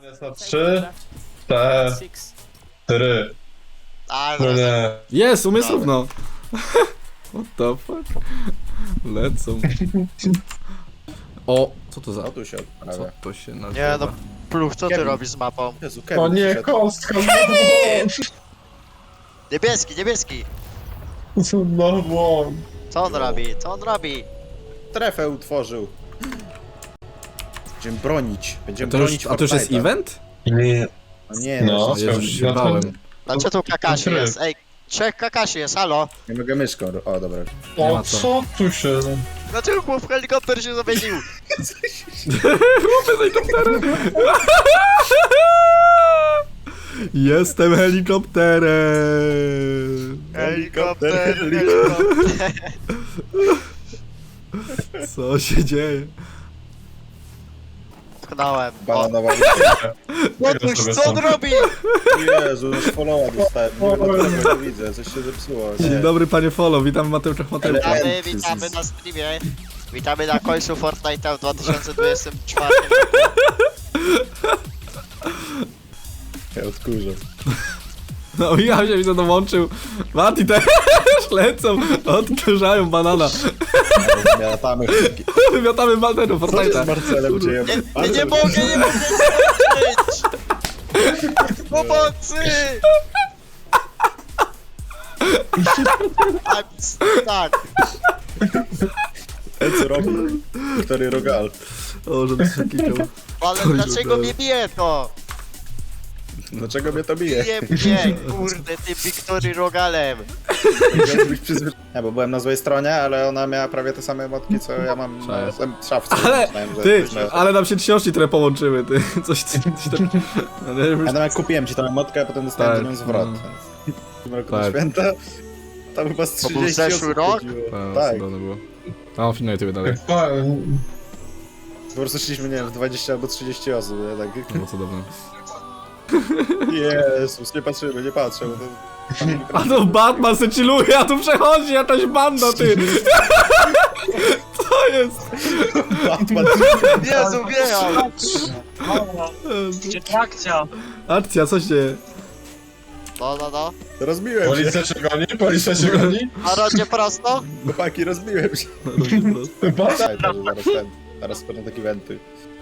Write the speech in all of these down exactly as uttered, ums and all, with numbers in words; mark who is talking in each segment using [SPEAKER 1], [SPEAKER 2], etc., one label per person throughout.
[SPEAKER 1] Jest na trzy, cztery.
[SPEAKER 2] A,
[SPEAKER 1] No
[SPEAKER 2] zaraz.
[SPEAKER 1] nie.
[SPEAKER 3] Jest, umysł równo. What the fuck? Lecą. O, co to za...
[SPEAKER 4] O, tu się
[SPEAKER 3] Co
[SPEAKER 4] odprawia.
[SPEAKER 3] to się
[SPEAKER 2] Nie
[SPEAKER 3] nazywa?
[SPEAKER 2] no, Pluch, co ty
[SPEAKER 4] Kevin.
[SPEAKER 2] robisz z mapą?
[SPEAKER 4] Jezu,
[SPEAKER 1] O
[SPEAKER 4] Kevin
[SPEAKER 1] nie,
[SPEAKER 4] przyszedł.
[SPEAKER 1] kostka.
[SPEAKER 2] Niebieski, niebieski!
[SPEAKER 1] Znowu.
[SPEAKER 2] Co on robi? Co on robi?
[SPEAKER 4] Strefę utworzył. Będziemy bronić.
[SPEAKER 3] A
[SPEAKER 4] Będziemy
[SPEAKER 3] to
[SPEAKER 4] bronić
[SPEAKER 3] już, a to już jest
[SPEAKER 4] Fortnite'a.
[SPEAKER 3] event?
[SPEAKER 1] Nie.
[SPEAKER 4] No nie,
[SPEAKER 1] No.
[SPEAKER 4] no.
[SPEAKER 3] O Jezu, już się
[SPEAKER 1] no to-
[SPEAKER 3] bałem.
[SPEAKER 2] Dlaczego tu Kakashi
[SPEAKER 1] Tryb.
[SPEAKER 2] jest? Ej, trzech Kakashi jest, halo?
[SPEAKER 4] Nie mogę myszką. O, dobra.
[SPEAKER 3] Nie
[SPEAKER 1] O
[SPEAKER 3] ma co.
[SPEAKER 1] co tu się...
[SPEAKER 2] Dlaczego chłop helikopter się zamienił?
[SPEAKER 3] Jestem helikopterem!
[SPEAKER 2] Helikopter, helikopter.
[SPEAKER 3] Co się dzieje?
[SPEAKER 2] Tknąłem. O,
[SPEAKER 4] Bananowa.
[SPEAKER 2] Otóż, co on robi?
[SPEAKER 4] Jezu, już followa dostałem. Nie wiem, dlaczego nie widzę. Coś się zepsuło.
[SPEAKER 3] Dzień
[SPEAKER 4] Nie.
[SPEAKER 3] dobry panie Folo, witam w Mateuszach Mateuszach.
[SPEAKER 2] Witamy, witamy na streamie. Witamy na końcu Fortnite'a w dwa tysiące dwudziestym czwartym roku.
[SPEAKER 4] Ja odkurzę.
[SPEAKER 3] No ja się widzę dołączył. Mati też lecą, odkurzają banana.
[SPEAKER 4] Miatamy.
[SPEAKER 3] Wymiatamy banerów
[SPEAKER 4] Co się z
[SPEAKER 3] Fortnite'a.
[SPEAKER 4] Marcelem dzieje?
[SPEAKER 2] Nie, nie, nie mogę, nie mogę zobaczyć! Pomocy! A, tak,
[SPEAKER 4] Ten co robi? Wiktory Rogal.
[SPEAKER 3] O, żeby się klikał.
[SPEAKER 2] ale
[SPEAKER 3] Oj,
[SPEAKER 2] dlaczego
[SPEAKER 3] dobra.
[SPEAKER 2] mnie bije to?
[SPEAKER 4] Dlaczego mnie to bije?
[SPEAKER 2] Bije mnie, kurde, tym Wiktory Rogalem.
[SPEAKER 4] Powinieneś być przyzwyczajony. Nie, bo byłem na złej stronie, ale ona miała prawie te same emotki, co ja mam na em- szafce.
[SPEAKER 3] Ale,
[SPEAKER 4] Myślałem, że
[SPEAKER 3] ty,
[SPEAKER 4] jesteśmy-
[SPEAKER 3] ale nam się książki trochę połączyły, ty. Coś, coś tam... Ale już...
[SPEAKER 4] Ja nawet kupiłem ci tę emotkę, a potem dostałem
[SPEAKER 3] Tak,
[SPEAKER 4] do nią zwrot.
[SPEAKER 3] no.
[SPEAKER 4] Więc w tym roku
[SPEAKER 3] Tak.
[SPEAKER 4] na święta tam chyba z
[SPEAKER 2] To był
[SPEAKER 4] trzydzieści
[SPEAKER 2] zeszły
[SPEAKER 4] osób
[SPEAKER 2] rok?
[SPEAKER 4] chodziło.
[SPEAKER 3] A,
[SPEAKER 4] Tak,
[SPEAKER 3] cudowne było. A on filmuje tobie dalej.
[SPEAKER 4] po prostu szliśmy, nie wiem, w dwadzieścia albo trzydzieści osób, nie? Tak.
[SPEAKER 3] Było cudowne.
[SPEAKER 4] Jezus, nie patrzymy, nie patrzę, bo to...
[SPEAKER 3] A to Batman se chilluje, a tu przechodzi jakaś banda, ty! Co jest?
[SPEAKER 4] Batman.
[SPEAKER 2] Jezu, wjechał!
[SPEAKER 5] Trakcja!
[SPEAKER 3] Akcja, co się dzieje?
[SPEAKER 2] No, no, no.
[SPEAKER 4] Rozbiłem się,
[SPEAKER 1] Policja cię goni? Policja cię goni?
[SPEAKER 2] Na rondzie prosto?
[SPEAKER 4] chłopaki, rozbiłem się.
[SPEAKER 3] No, dobrze, prosto.
[SPEAKER 1] Chyba.
[SPEAKER 4] Daj, to, że zaraz ten, zaraz będą takie wenty.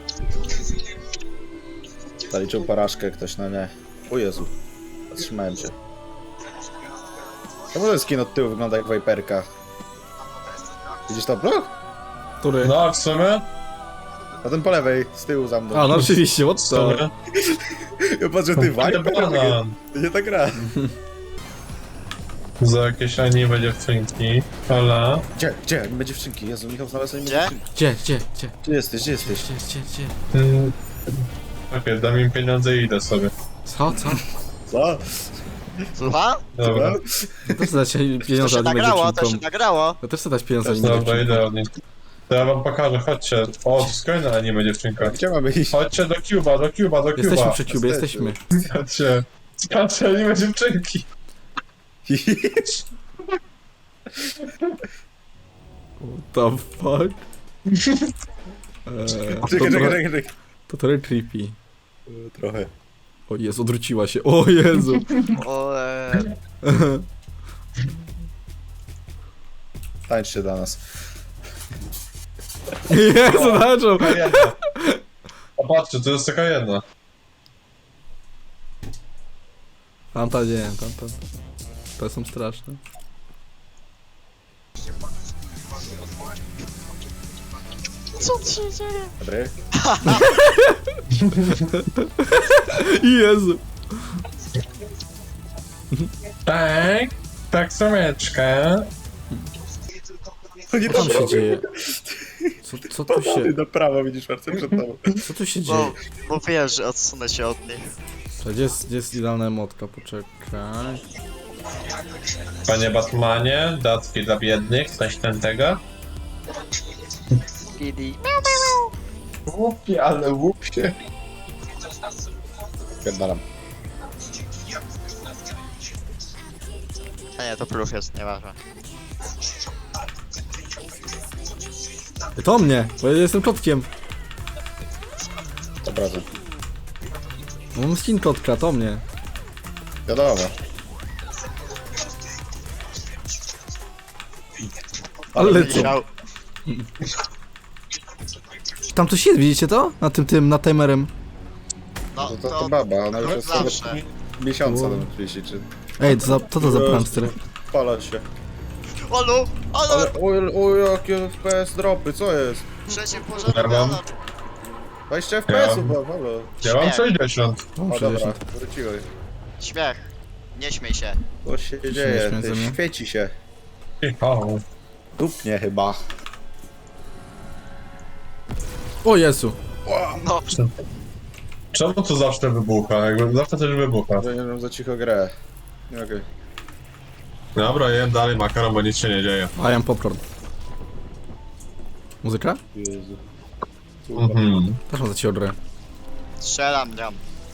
[SPEAKER 4] Zaliczył porażkę ktoś, no nie. O Jezu, zatrzymałem się. Czemu ten skin od tyłu wygląda jak Viperka? Widzisz to, bro?
[SPEAKER 3] Który?
[SPEAKER 1] No, w sumie?
[SPEAKER 4] No ten po lewej, z tyłu za mną.
[SPEAKER 3] A, no oczywiście, what
[SPEAKER 1] W
[SPEAKER 3] the...
[SPEAKER 1] sumie.
[SPEAKER 4] Ja patrzę, ty Viper?
[SPEAKER 1] Banan.
[SPEAKER 4] To nie ta gra.
[SPEAKER 1] Za jakieś anime dziewczynki. Hola.
[SPEAKER 4] Gdzie, gdzie? Anime dziewczynki? Jezu, Michał znalazł anime
[SPEAKER 2] Gdzie?
[SPEAKER 4] dziewczynki.
[SPEAKER 3] Gdzie, gdzie, gdzie?
[SPEAKER 4] Gdzie jesteś, gdzie jesteś?
[SPEAKER 3] Gdzie, gdzie, gdzie?
[SPEAKER 1] Mm. Okej, dam im pieniądze i idę sobie.
[SPEAKER 3] Co, co?
[SPEAKER 4] Co?
[SPEAKER 2] Słucha?
[SPEAKER 1] Dobra.
[SPEAKER 3] Ja też chcę dać
[SPEAKER 2] To
[SPEAKER 3] pieniądze
[SPEAKER 2] się
[SPEAKER 3] anime
[SPEAKER 2] nagrało, to się
[SPEAKER 3] dziewczynkom.
[SPEAKER 2] nagrało.
[SPEAKER 3] Ja też chcę dać pieniądze anime
[SPEAKER 1] Dobra,
[SPEAKER 3] dziewczynkom.
[SPEAKER 1] idę od nich. To ja wam pokażę, chodźcie. O, to jest kolejna anime dziewczynka.
[SPEAKER 4] Gdzie mamy iść?
[SPEAKER 1] Chodźcie do Cuba, do Cuba, do Cuba.
[SPEAKER 3] Jesteśmy przy Cubie,
[SPEAKER 4] Jesteśmy.
[SPEAKER 3] jesteśmy.
[SPEAKER 1] Chodźcie. Patrzcie, anime dziewczynki.
[SPEAKER 3] What the fuck? Eee, to,
[SPEAKER 4] Czekaj, czekaj,
[SPEAKER 3] trochę,
[SPEAKER 4] czekaj, czekaj.
[SPEAKER 3] to trochę creepy.
[SPEAKER 4] Trochę.
[SPEAKER 3] O Jezu, odwróciła się. O Jezu.
[SPEAKER 2] O, e,
[SPEAKER 4] Tańczcie dla nas.
[SPEAKER 3] Jezu, zaczął.
[SPEAKER 1] Taka jedna. Popatrzcie, to jest taka jedna.
[SPEAKER 3] Tamta nie, tamta. Te są straszne.
[SPEAKER 2] co tu się dzieje?
[SPEAKER 4] Dobry?
[SPEAKER 3] Jezu.
[SPEAKER 1] Tak, tak sameczka.
[SPEAKER 4] To nie
[SPEAKER 3] Co tam się dzieje? Co, co tu się...
[SPEAKER 4] Ty na prawo widzisz Marcel przed tobą.
[SPEAKER 3] Co tu się dzieje?
[SPEAKER 2] No, bo wiesz, że odsunę się od nich.
[SPEAKER 3] Czekaj, Gdzie jest, gdzie jest idealna emotka? Poczekaj.
[SPEAKER 1] Panie Batmanie, datki dla biednych, coś ten tego.
[SPEAKER 2] Kidi.
[SPEAKER 1] Łupie, ale łupie.
[SPEAKER 4] Pierdalam.
[SPEAKER 2] A nie, to Pluch jest, nieważne.
[SPEAKER 3] To mnie, bo ja jestem kotkiem.
[SPEAKER 4] To prawda.
[SPEAKER 3] Mam skin kotka, to mnie.
[SPEAKER 4] Wiadomo.
[SPEAKER 3] Ale lecą.
[SPEAKER 2] Michał,
[SPEAKER 3] Tam coś jest, widzicie to? Na tym, tym, na timerem.
[SPEAKER 2] no
[SPEAKER 4] To, to,
[SPEAKER 2] to
[SPEAKER 4] to baba, ona już jest sobie
[SPEAKER 2] zawsze.
[SPEAKER 4] miesiąca tam oczywiście, czy...
[SPEAKER 3] Ej, to za, co to za prankster?
[SPEAKER 4] Pala się.
[SPEAKER 2] Olu,
[SPEAKER 4] Ale,
[SPEAKER 2] ale
[SPEAKER 4] o, o jakie F P S dropy, co jest?
[SPEAKER 2] przeciwpożarowy
[SPEAKER 1] Ja mam-
[SPEAKER 2] alarm.
[SPEAKER 4] dwadzieścia F P S-ów,
[SPEAKER 1] Ja-
[SPEAKER 4] bo halo.
[SPEAKER 1] Ja mam
[SPEAKER 2] Śmiech.
[SPEAKER 1] sześćdziesiąt.
[SPEAKER 3] O,
[SPEAKER 4] O dobra,
[SPEAKER 3] sześćdziesiąt.
[SPEAKER 4] wróciłeś.
[SPEAKER 2] Śmiech. Nie śmiej się.
[SPEAKER 4] Co się
[SPEAKER 3] nie
[SPEAKER 4] dzieje?
[SPEAKER 3] śmiej ze
[SPEAKER 4] Ty,
[SPEAKER 3] mnie.
[SPEAKER 4] świeci się.
[SPEAKER 1] O,
[SPEAKER 4] Dupnie chyba.
[SPEAKER 3] O Jezu.
[SPEAKER 2] No,
[SPEAKER 1] czemu to zawsze wybucha? Jakby zawsze coś wybucha.
[SPEAKER 4] Ja nie wiem, za cicho grę. Nie, okej.
[SPEAKER 1] Dobra, jem dalej makaron, bo nic się nie dzieje.
[SPEAKER 3] I am popcorn. Muzyka?
[SPEAKER 4] Jezu.
[SPEAKER 1] Mhm.
[SPEAKER 3] Też mam za cię odrę.
[SPEAKER 2] strzelam gram.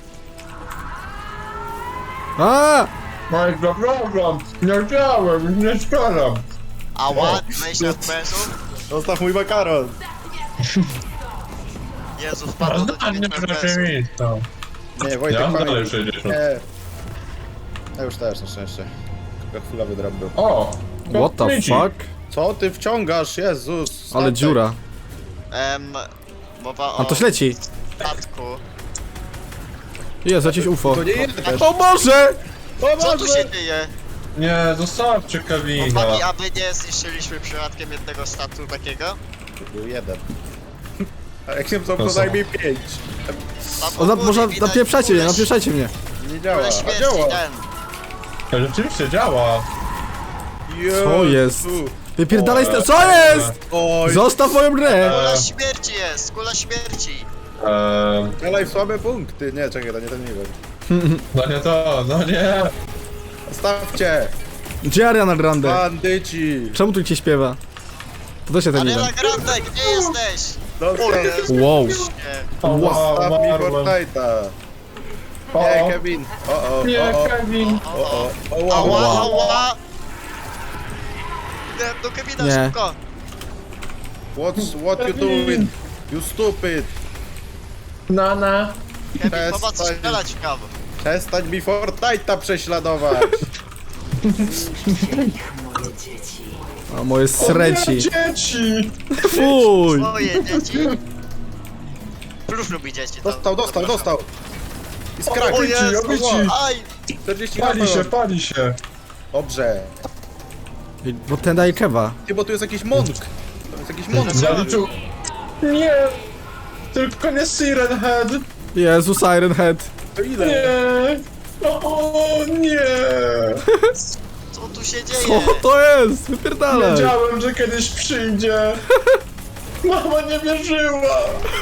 [SPEAKER 3] A!
[SPEAKER 1] Mike, zapraszam! Nie chciałem, nie strzelam!
[SPEAKER 2] Ała, dwadzieścia F P S-ów?
[SPEAKER 4] Zostaw mój makaron!
[SPEAKER 2] Jezu, wpadło do
[SPEAKER 1] Zdanie
[SPEAKER 2] dziewięciu F P S-ów.
[SPEAKER 1] rzeczywista.
[SPEAKER 4] Nie, Wojtek,
[SPEAKER 1] Ja mam
[SPEAKER 4] pamiętaj.
[SPEAKER 1] dalej sześćdziesiąt.
[SPEAKER 4] Nie. Ja już też na szczęście. Tylko chwilowy drop był.
[SPEAKER 1] O!
[SPEAKER 3] What the
[SPEAKER 1] Mici.
[SPEAKER 3] fuck?
[SPEAKER 4] Co ty wciągasz? Jezus!
[SPEAKER 3] Ale
[SPEAKER 4] statek.
[SPEAKER 3] dziura.
[SPEAKER 2] Em, mowa o
[SPEAKER 3] A to leci.
[SPEAKER 2] statku.
[SPEAKER 3] Jest, jakieś U F O.
[SPEAKER 4] To nie jest też.
[SPEAKER 3] O Boże!
[SPEAKER 2] Co tu się dzieje?
[SPEAKER 1] Nie, zostawcie Kevina.
[SPEAKER 2] Chłopaki, aby nie zniszczyliśmy przypadkiem jednego statku takiego?
[SPEAKER 4] To był jeden. A jak nie są
[SPEAKER 1] To
[SPEAKER 4] co
[SPEAKER 1] są.
[SPEAKER 4] najmniej pięć.
[SPEAKER 2] Tam
[SPEAKER 3] O, na,
[SPEAKER 2] u góry
[SPEAKER 3] może
[SPEAKER 2] widać
[SPEAKER 3] napieprzajcie mnie,
[SPEAKER 2] kulę-
[SPEAKER 3] napieprzajcie mnie.
[SPEAKER 4] Nie działa.
[SPEAKER 2] kulę
[SPEAKER 4] A
[SPEAKER 2] śmierci,
[SPEAKER 4] działa!
[SPEAKER 2] ten.
[SPEAKER 1] To rzeczywiście działa.
[SPEAKER 3] Co jest? Wypierdalaj sta- Co jest?
[SPEAKER 4] Oj,
[SPEAKER 3] Zostaw moją grę!
[SPEAKER 2] Kula śmierci jest, kula śmierci.
[SPEAKER 1] Eee,
[SPEAKER 4] dalej w słabe punkty. Nie, czekaj, to nie ten nivel.
[SPEAKER 1] no nie to, no nie.
[SPEAKER 4] Stawcie!
[SPEAKER 3] Gdzie Ariana Grande?
[SPEAKER 4] Bandyci!
[SPEAKER 3] Czemu tu cię śpiewa? To też się ten
[SPEAKER 2] Ariana
[SPEAKER 3] event.
[SPEAKER 2] Grande, gdzie jesteś?
[SPEAKER 4] Dostał,
[SPEAKER 2] O Jezu,
[SPEAKER 3] Wow.
[SPEAKER 2] nie.
[SPEAKER 1] O,
[SPEAKER 4] Staw mi
[SPEAKER 1] umarłem.
[SPEAKER 4] Fortnite'a!
[SPEAKER 1] O,
[SPEAKER 4] Nie,
[SPEAKER 1] o.
[SPEAKER 4] Kevin! O, o,
[SPEAKER 1] Nie,
[SPEAKER 4] o, o,
[SPEAKER 1] Kevin.
[SPEAKER 4] o, o, o,
[SPEAKER 2] Ała,
[SPEAKER 4] o,
[SPEAKER 2] ała. Idę do Kevina
[SPEAKER 3] Nie.
[SPEAKER 2] szybko.
[SPEAKER 4] What's, what you doing? You stupid!
[SPEAKER 1] Nana.
[SPEAKER 2] Kevin,
[SPEAKER 4] Przestań.
[SPEAKER 2] popatrz, strzelać w prawo.
[SPEAKER 4] Przestań mi Fortnite'a prześladować!
[SPEAKER 3] A moje
[SPEAKER 1] Nie,
[SPEAKER 3] sreci.
[SPEAKER 1] dzieci.
[SPEAKER 3] Fuj!
[SPEAKER 2] Moje dzieci. Plus lubi dzieci. to-
[SPEAKER 4] Dostał, dostał, dostał! I skrak!
[SPEAKER 2] O Jezu,
[SPEAKER 1] obici.
[SPEAKER 2] aj.
[SPEAKER 4] czterdzieści
[SPEAKER 1] Pali się,
[SPEAKER 4] HP.
[SPEAKER 1] pali się.
[SPEAKER 4] Dobrze.
[SPEAKER 3] Ej, bo ten daje kewa.
[SPEAKER 4] Ty, bo tu jest jakiś monk. To jest jakiś monk.
[SPEAKER 1] Zaliczył. Nie. Tylko nie Siren Head.
[SPEAKER 3] Jezu, Siren Head.
[SPEAKER 4] To ile?
[SPEAKER 1] Nie. O nie.
[SPEAKER 2] Co tu się dzieje?
[SPEAKER 3] Co to jest? Wypierdalaj.
[SPEAKER 1] Wiedziałem, że kiedyś przyjdzie. Mama nie wierzyła.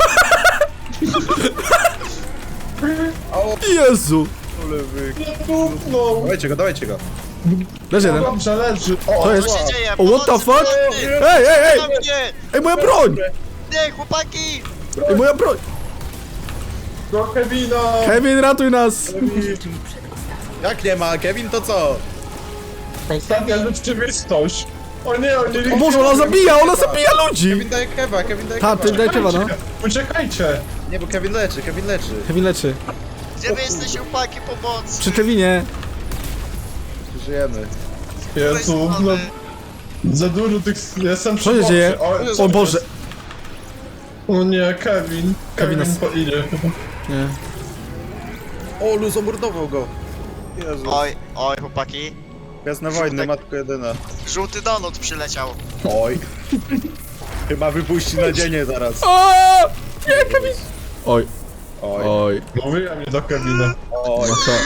[SPEAKER 3] Jezu.
[SPEAKER 4] Lewy.
[SPEAKER 1] Nie dupnął.
[SPEAKER 4] Dawajcie go, dawajcie go.
[SPEAKER 3] Leży jeden.
[SPEAKER 1] Dobrze, leży. O,
[SPEAKER 3] To
[SPEAKER 2] Co
[SPEAKER 3] jest...
[SPEAKER 2] się dzieje?
[SPEAKER 3] O, what the
[SPEAKER 2] Pomocy,
[SPEAKER 3] fuck?
[SPEAKER 2] pomocy!
[SPEAKER 3] Ej, ej, ej!
[SPEAKER 2] Na mnie!
[SPEAKER 3] Ej, moja broń!
[SPEAKER 2] Nie, chłopaki!
[SPEAKER 3] Ej, moja broń!
[SPEAKER 1] do Kevina.
[SPEAKER 3] Kevin, ratuj nas!
[SPEAKER 4] Jak nie ma? Kevin to co?
[SPEAKER 1] Ostatnia rzeczywistość. O nie, o nie.
[SPEAKER 3] O Boże, ona zabija, ona zabija ludzi!
[SPEAKER 4] Kevin daje kewa, Kevin daje
[SPEAKER 3] Ta, ty
[SPEAKER 4] kewa.
[SPEAKER 3] daj kewa, no.
[SPEAKER 1] Uciekajcie.
[SPEAKER 4] Nie, bo Kevin leczy, Kevin leczy.
[SPEAKER 3] Kevin leczy.
[SPEAKER 2] Gdzie wy jesteście, chłopaki, pomocy?
[SPEAKER 3] Przy Kevinie.
[SPEAKER 4] Żyjemy.
[SPEAKER 1] Jezu, no. Za dużo tych... Jestem
[SPEAKER 3] Co się
[SPEAKER 1] przy
[SPEAKER 3] dzieje?
[SPEAKER 1] bocie.
[SPEAKER 3] O Boże.
[SPEAKER 1] O nie, Kevin.
[SPEAKER 3] Kevin
[SPEAKER 1] Kevin
[SPEAKER 3] nas-
[SPEAKER 1] po idzie.
[SPEAKER 3] Nie.
[SPEAKER 4] O, Lu zamordował go. Jezu.
[SPEAKER 2] Oj, oj, chłopaki.
[SPEAKER 4] Jasna wojny, matko jedyna.
[SPEAKER 2] Żółty donut przyleciał.
[SPEAKER 4] Oj. Chyba wypuści nadzienie zaraz.
[SPEAKER 3] O! Nie, Kevin! Oj,
[SPEAKER 4] Oj.
[SPEAKER 3] oj.
[SPEAKER 1] Mówiłem nie do Kevina.
[SPEAKER 4] Oj.
[SPEAKER 3] No co?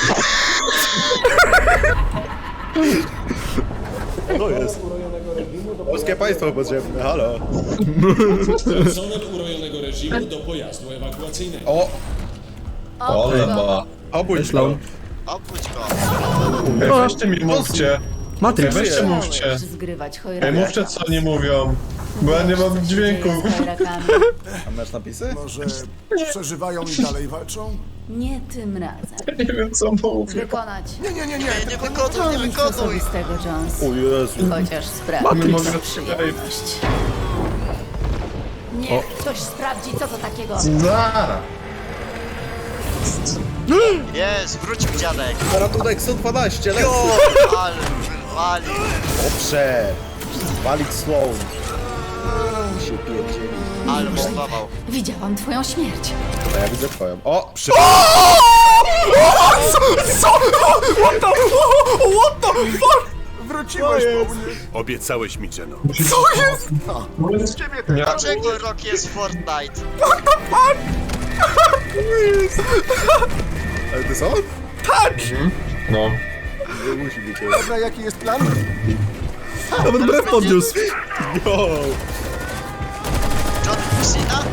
[SPEAKER 4] To jest. Polskie państwo potrzebne, halo.
[SPEAKER 5] Personel urojonego reżimu do pojazdu ewakuacyjnego.
[SPEAKER 4] O,
[SPEAKER 1] Ole ma.
[SPEAKER 4] obudź go.
[SPEAKER 3] Myślą.
[SPEAKER 2] Obudź go.
[SPEAKER 1] Ej, weźcie mi mówcie. Ej,
[SPEAKER 3] Matrix.
[SPEAKER 1] weźcie mówcie.
[SPEAKER 6] Zgrywać
[SPEAKER 1] Ej,
[SPEAKER 6] chojraka.
[SPEAKER 1] mówcie co oni mówią. Bo ja nie mam dźwięku.
[SPEAKER 4] A masz napisy?
[SPEAKER 7] Może przeżywają i dalej walczą?
[SPEAKER 6] Nie tym razem.
[SPEAKER 1] Nie wiem co mówię.
[SPEAKER 6] Wykonać.
[SPEAKER 7] Nie, nie, nie, nie.
[SPEAKER 2] Nie, nie
[SPEAKER 7] tylko
[SPEAKER 2] wykonuj, nie
[SPEAKER 6] Nic
[SPEAKER 2] wykonuj.
[SPEAKER 6] osobistego, Jones.
[SPEAKER 4] O Jezu.
[SPEAKER 6] Chociaż sprawdź
[SPEAKER 1] Matrix.
[SPEAKER 6] tą przyjemność. Niech ktoś sprawdzi, co to takiego.
[SPEAKER 1] Zara.
[SPEAKER 2] Jest, wrócił dziadek.
[SPEAKER 4] Ratunek sto dwanaście, lecę!
[SPEAKER 2] Jo, ale wyrwali.
[SPEAKER 4] Dobrze! Walić Sloan. Się pierdzieli.
[SPEAKER 2] Ale bombował.
[SPEAKER 6] Widziałam twoją śmierć.
[SPEAKER 4] A ja widzę twoją. O! Przy...
[SPEAKER 3] Co? What the... What the fuck?
[SPEAKER 7] Wróciłeś po mnie.
[SPEAKER 8] Obiecałeś mi, Jeno.
[SPEAKER 3] Co jest?
[SPEAKER 2] Dlaczego rok jest Fortnite?
[SPEAKER 4] Ale ty co?
[SPEAKER 3] Tak!
[SPEAKER 9] No.
[SPEAKER 4] Nie musi być.
[SPEAKER 7] Dobra, jaki jest plan?
[SPEAKER 3] Nawet brew podniósł.
[SPEAKER 4] Yo!
[SPEAKER 2] John Cena?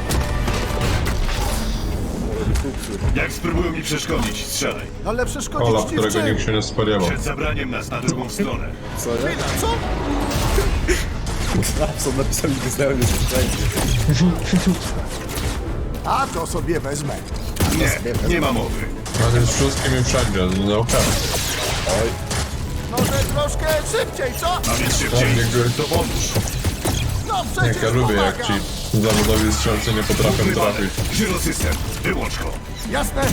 [SPEAKER 8] Jak spróbują mi przeszkodzić, strzelaj.
[SPEAKER 7] Ale przeszkodzić
[SPEAKER 9] Ola,
[SPEAKER 7] ci w
[SPEAKER 9] którego
[SPEAKER 7] czym?
[SPEAKER 9] nikt się nie spodziewał.
[SPEAKER 8] Przed zabraniem nas na drugą stronę.
[SPEAKER 4] Co nie?
[SPEAKER 7] Chwila, co?
[SPEAKER 4] Snapson napisał mi wyznałem już wszędzie.
[SPEAKER 7] A to sobie wezmę.
[SPEAKER 8] Nie, nie ma mowy.
[SPEAKER 9] On jest wszystkim i wszędzie, no okej.
[SPEAKER 7] Może troszkę szybciej, co?
[SPEAKER 8] A więc szybciej, to pomóż.
[SPEAKER 7] No przecież
[SPEAKER 9] Jak ja lubię, jak
[SPEAKER 7] pomagam.
[SPEAKER 9] ci zawodowi strzelcy nie potrafią trafić.
[SPEAKER 8] Żyrosystem, wyłącz go.
[SPEAKER 7] Jasne?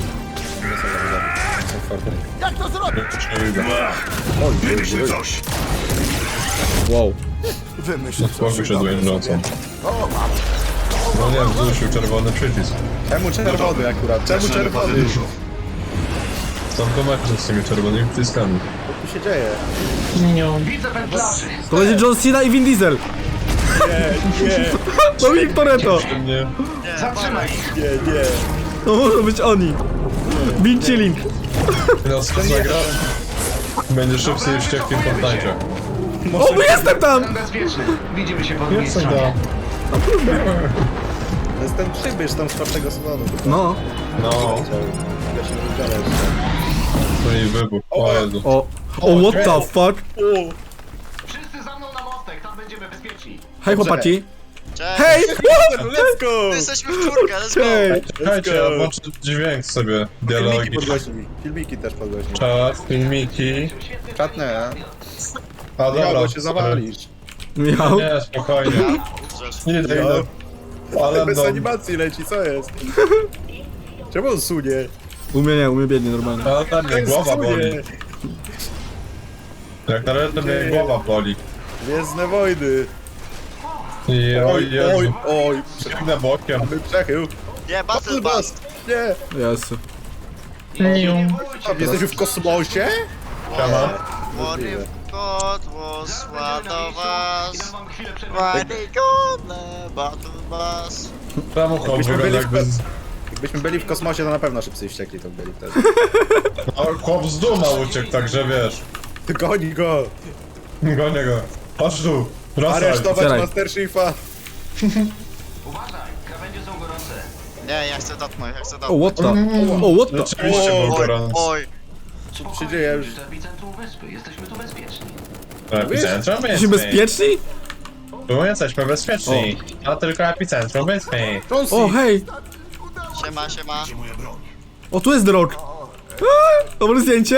[SPEAKER 7] Jak to zrobić?
[SPEAKER 9] Już nie widzę.
[SPEAKER 8] Wymyśl coś.
[SPEAKER 3] Wow.
[SPEAKER 7] Wymyśl
[SPEAKER 9] Spokój się, Dwayne Johnson.
[SPEAKER 7] O, mam.
[SPEAKER 9] No nie, wzruszył czerwony przycisk.
[SPEAKER 4] Czemu czerwony akurat? Czemu
[SPEAKER 8] Zaczynamy
[SPEAKER 4] czerwony?
[SPEAKER 8] parę dużo.
[SPEAKER 9] Są to mecze z tymi czerwonymi przyciskami.
[SPEAKER 4] Co tu się dzieje?
[SPEAKER 3] To będzie John Cena i Vin Diesel.
[SPEAKER 4] Nie, nie,
[SPEAKER 3] Dominik Toretto.
[SPEAKER 9] Przy mnie
[SPEAKER 4] nie, nie.
[SPEAKER 3] To muszą być oni. Vin Chilling.
[SPEAKER 9] no skąd zagra? Będzie szybciej i wściekli w Fortnite.
[SPEAKER 3] O, jestem tam!
[SPEAKER 9] Jestem da.
[SPEAKER 4] To jest ten przybysz tam z czwartego sezonu.
[SPEAKER 3] No.
[SPEAKER 9] No,
[SPEAKER 4] Ja się wybiorę jeszcze.
[SPEAKER 9] to i wybuch. O Jezu.
[SPEAKER 3] O. O, what the fuck?
[SPEAKER 10] Wszyscy za mną na mostek, tam będziemy bezpieczni.
[SPEAKER 3] Hej chłopaki.
[SPEAKER 2] Cześć.
[SPEAKER 3] Hej!
[SPEAKER 4] Let's go!
[SPEAKER 2] My jesteśmy w czwórkę, let's go.
[SPEAKER 3] Hej!
[SPEAKER 9] Czekajcie, ja włączę dźwięk sobie.
[SPEAKER 4] Filmiki
[SPEAKER 9] Dialogi.
[SPEAKER 4] podgłośnij. Filmiki też podgłośnij.
[SPEAKER 9] Czat, filmiki.
[SPEAKER 4] Czatne, a?
[SPEAKER 9] A
[SPEAKER 4] Ja,
[SPEAKER 9] dobra,
[SPEAKER 4] bo się zawalisz.
[SPEAKER 3] Michał.
[SPEAKER 9] Nie, spokojnie. Nie, idę, idę. Ale
[SPEAKER 4] Bez
[SPEAKER 9] no,
[SPEAKER 4] animacji leci, co jest? Czemu on sunie?
[SPEAKER 3] Umie nie, umie biednie normalnie.
[SPEAKER 9] ale tam mnie głowa boli.
[SPEAKER 4] Sunie.
[SPEAKER 9] Jak na razie to mnie głowa boli.
[SPEAKER 4] Gwiezdne wojny.
[SPEAKER 9] I oj
[SPEAKER 4] Oj,
[SPEAKER 9] Jezu.
[SPEAKER 4] oj, oj.
[SPEAKER 9] Przeknę bokiem.
[SPEAKER 4] Mamy przechył.
[SPEAKER 2] Nie, Battle Bus.
[SPEAKER 4] Nie.
[SPEAKER 3] Jezu.
[SPEAKER 4] Jesteśmy w kosmosie?
[SPEAKER 9] Siema.
[SPEAKER 2] Porywko dłosła do was.
[SPEAKER 10] Mam chwilę przerwy.
[SPEAKER 2] Wadygone, Battle Bus.
[SPEAKER 9] Czemu chłop
[SPEAKER 4] Jakbyśmy
[SPEAKER 9] wygląda
[SPEAKER 4] byli w
[SPEAKER 9] jakby... z-
[SPEAKER 4] Jakbyśmy byli w kosmosie, to na pewno szybcy i wściekli to byli wtedy.
[SPEAKER 9] No, chłop z duma uciekł, także wiesz.
[SPEAKER 4] Goni go!
[SPEAKER 9] Gonię go. Chodź tu. Wracaj.
[SPEAKER 4] Aresztować
[SPEAKER 3] Otwieraj.
[SPEAKER 4] Master Chiefa!
[SPEAKER 10] Uważaj, krawędzie są gorące.
[SPEAKER 2] Nie, ja chcę dotknąć, ja chcę
[SPEAKER 3] O,
[SPEAKER 2] dotknąć.
[SPEAKER 3] what the... O, what the...
[SPEAKER 9] Rzeczywiście był
[SPEAKER 2] Oj,
[SPEAKER 9] gorący.
[SPEAKER 2] oj.
[SPEAKER 4] Co tu się dzieje już?
[SPEAKER 10] To epicentrum wyspy, jesteśmy tu bezpieczni.
[SPEAKER 9] Epicentrum
[SPEAKER 3] Jesteśmy
[SPEAKER 9] wyspy.
[SPEAKER 3] bezpieczni?
[SPEAKER 9] Tu jesteśmy bezpieczni. A tylko epicentrum wyspy.
[SPEAKER 3] O, hej!
[SPEAKER 2] Siema, siema.
[SPEAKER 8] Gdzie moja broń?
[SPEAKER 3] O, tu jest drog. A, dobre zdjęcie.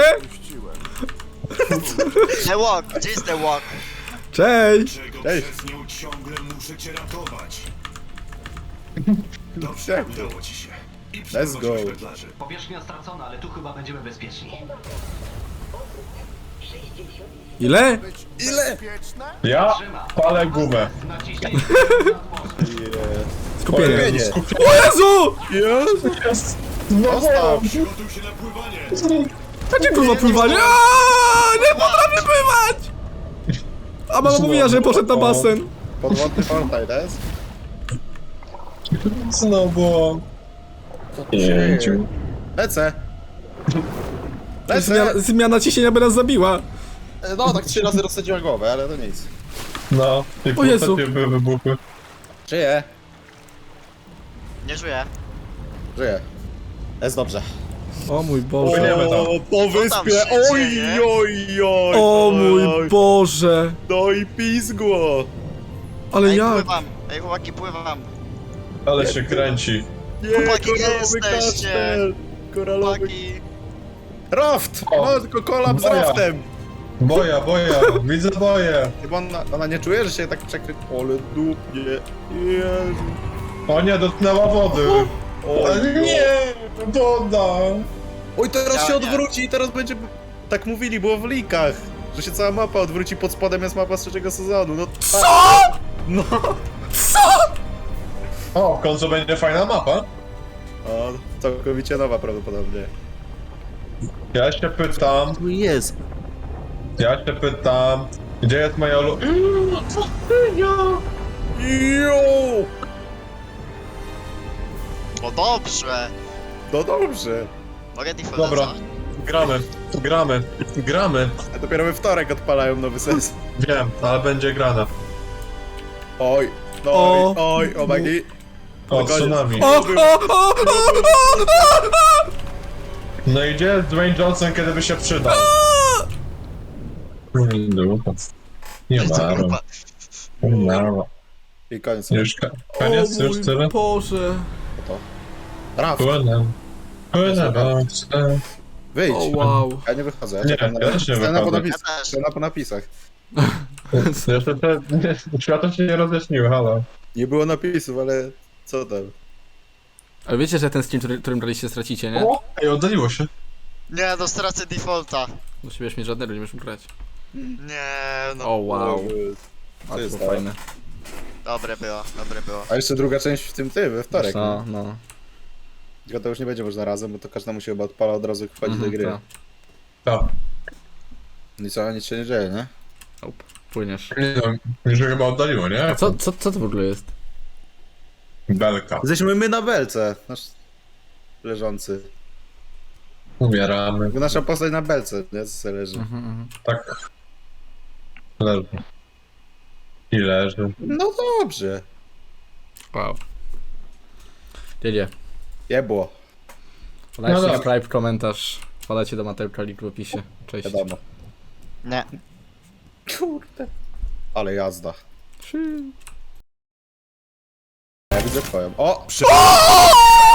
[SPEAKER 2] The Walk, gdzie jest The Walk?
[SPEAKER 3] Cześć!
[SPEAKER 8] Czego
[SPEAKER 4] Ej.
[SPEAKER 8] przez nią ciągle muszę cię ratować? Dobrze,
[SPEAKER 4] Czego?
[SPEAKER 8] udało ci się. I
[SPEAKER 4] Let's go.
[SPEAKER 8] wędlarzy.
[SPEAKER 10] Powierzchnia stracona, ale tu chyba będziemy bezpieczni.
[SPEAKER 3] Ile?
[SPEAKER 4] Ile?
[SPEAKER 7] Bezpieczne?
[SPEAKER 9] Ja palę gumę.
[SPEAKER 10] Naciśnij
[SPEAKER 3] Skupienie.
[SPEAKER 4] Skupienie.
[SPEAKER 3] O Jezu!
[SPEAKER 9] Jest.
[SPEAKER 4] Zostaw!
[SPEAKER 8] Przygotuj się na pływanie.
[SPEAKER 3] Jakie kurwa pływanie? Aaaa, nie potrafię pływać! A mama mówiła, że poszedł na basen.
[SPEAKER 4] Podwodny Fortnite jest?
[SPEAKER 9] Znowu. Pięciu.
[SPEAKER 4] Lecę! Lecę!
[SPEAKER 3] Zmiana, zmiana ciśnienia by nas zabiła.
[SPEAKER 4] No, tak trzy razy rozsadziła głowę, ale to nic.
[SPEAKER 9] No. I
[SPEAKER 3] O Jezu.
[SPEAKER 9] półtorej były wybuchy.
[SPEAKER 4] Żyję.
[SPEAKER 2] Nie żyję.
[SPEAKER 4] Żyję. Jest dobrze.
[SPEAKER 3] O mój Boże.
[SPEAKER 9] Płyniemy tam.
[SPEAKER 4] po
[SPEAKER 2] tam
[SPEAKER 4] wyspie!
[SPEAKER 2] się
[SPEAKER 4] Oj,
[SPEAKER 2] dzieje?
[SPEAKER 4] oj, oj!
[SPEAKER 3] O
[SPEAKER 4] oj,
[SPEAKER 3] mój
[SPEAKER 4] oj.
[SPEAKER 3] Boże.
[SPEAKER 4] No i pizgło!
[SPEAKER 3] Ale
[SPEAKER 2] Ej,
[SPEAKER 3] jak?
[SPEAKER 2] pływam. Ej, chłopaki, pływam.
[SPEAKER 9] Ale się kręci.
[SPEAKER 4] Nie,
[SPEAKER 2] Chłopaki, gdzie
[SPEAKER 4] koralowy
[SPEAKER 2] jesteście?
[SPEAKER 4] kastel! Koralowy...
[SPEAKER 2] Chłopaki.
[SPEAKER 4] Raft!
[SPEAKER 9] O.
[SPEAKER 4] No, tylko kolab z
[SPEAKER 9] Moja.
[SPEAKER 4] raftem!
[SPEAKER 9] Boja, boja. Widzę boję.
[SPEAKER 4] Chyba ona, ona nie czuje, że się tak przekry... Ole dupnie. Jezu.
[SPEAKER 9] O nie, dotknęła wody.
[SPEAKER 1] Ale nie, woda.
[SPEAKER 4] Oj, teraz
[SPEAKER 2] Ja
[SPEAKER 4] się
[SPEAKER 2] nie.
[SPEAKER 4] odwróci i teraz będzie... Tak mówili, było w likach, że się cała mapa odwróci, pod spodem jest mapa z trzeciego sezonu, no co?! No,
[SPEAKER 9] O, w końcu będzie fajna mapa.
[SPEAKER 4] o, całkowicie nowa prawdopodobnie.
[SPEAKER 9] Ja się pytam,
[SPEAKER 4] Tu jest.
[SPEAKER 9] ja się pytam, gdzie jest moja lu...
[SPEAKER 4] Jo!
[SPEAKER 2] O dobrze!
[SPEAKER 4] No dobrze.
[SPEAKER 2] Mogę default
[SPEAKER 9] Dobra,
[SPEAKER 2] za-
[SPEAKER 9] gramy, gramy, gramy.
[SPEAKER 4] A dopiero we wtorek odpalają nowy sens.
[SPEAKER 9] Wiem, ale będzie grana.
[SPEAKER 4] Oj, oj,
[SPEAKER 3] O.
[SPEAKER 4] oj, o magi.
[SPEAKER 9] O,
[SPEAKER 4] Koniec.
[SPEAKER 9] tsunami.
[SPEAKER 3] O, o, o, o,
[SPEAKER 9] No i gdzie jest Dwayne Johnson, kiedy by się przydał? Dupa. Nie ma,
[SPEAKER 2] Grupa.
[SPEAKER 9] nie ma.
[SPEAKER 4] I koniec.
[SPEAKER 9] Już ka-
[SPEAKER 3] o
[SPEAKER 9] koniec, już tyle?
[SPEAKER 3] mój Boże.
[SPEAKER 4] Raf,
[SPEAKER 9] Płynę. Płynę, boże.
[SPEAKER 4] wyjdź.
[SPEAKER 3] O wow.
[SPEAKER 4] Ja nie wychodzę, ja
[SPEAKER 9] Nie,
[SPEAKER 4] czekam na
[SPEAKER 9] ja też nie
[SPEAKER 4] scena po
[SPEAKER 9] wychodzę.
[SPEAKER 4] napisach.
[SPEAKER 2] Ja też.
[SPEAKER 4] Scena po napisach.
[SPEAKER 9] Jeszcze te... Światło się nie rozjaśniły, halo.
[SPEAKER 4] Nie było napisów, ale co tam?
[SPEAKER 3] Ale wiecie, że ten stream, który, którym braliście, stracicie, nie?
[SPEAKER 9] O, ej, oddaliło się.
[SPEAKER 2] Nie, no stracę defaulta.
[SPEAKER 3] Do siebie mieć żadnego, nie będziesz mógł grać.
[SPEAKER 2] Nie, no.
[SPEAKER 3] O wow.
[SPEAKER 4] Co
[SPEAKER 3] A
[SPEAKER 4] jest
[SPEAKER 3] to
[SPEAKER 4] tam?
[SPEAKER 3] fajne.
[SPEAKER 2] Dobre było, dobre było.
[SPEAKER 4] A jeszcze druga część w tym ty, we wtorek.
[SPEAKER 3] No, no.
[SPEAKER 4] Tylko to już nie będzie można razem, bo to każdemu się chyba odpala od razu jak wchodzi
[SPEAKER 3] Mhm,
[SPEAKER 4] do gry.
[SPEAKER 3] tak.
[SPEAKER 9] Tak.
[SPEAKER 4] I co, nic się nie dzieje, nie?
[SPEAKER 3] Nope. Płyniesz.
[SPEAKER 9] Nie no, już chyba oddaliło, nie?
[SPEAKER 3] A co, co, co to w ogóle jest?
[SPEAKER 9] Belka.
[SPEAKER 4] Jesteśmy my na belce, nasz leżący.
[SPEAKER 9] Umieramy.
[SPEAKER 4] Nasza postać na belce, nie? Co sobie leży.
[SPEAKER 3] Mhm, mhm.
[SPEAKER 9] Tak. Leży. I leży.
[SPEAKER 4] No dobrze.
[SPEAKER 3] Wow. Dziedzie.
[SPEAKER 4] Jebło,
[SPEAKER 3] Podajcie
[SPEAKER 9] No
[SPEAKER 3] no
[SPEAKER 9] dobra.
[SPEAKER 3] subscribe, komentarz. Podajcie do Mateuszka link w opisie. Cześć.
[SPEAKER 4] wiadomo.
[SPEAKER 2] Nie.
[SPEAKER 4] Kurde. Ale jazda.
[SPEAKER 3] Trzy.
[SPEAKER 4] Ja widzę twoją. O! Przy...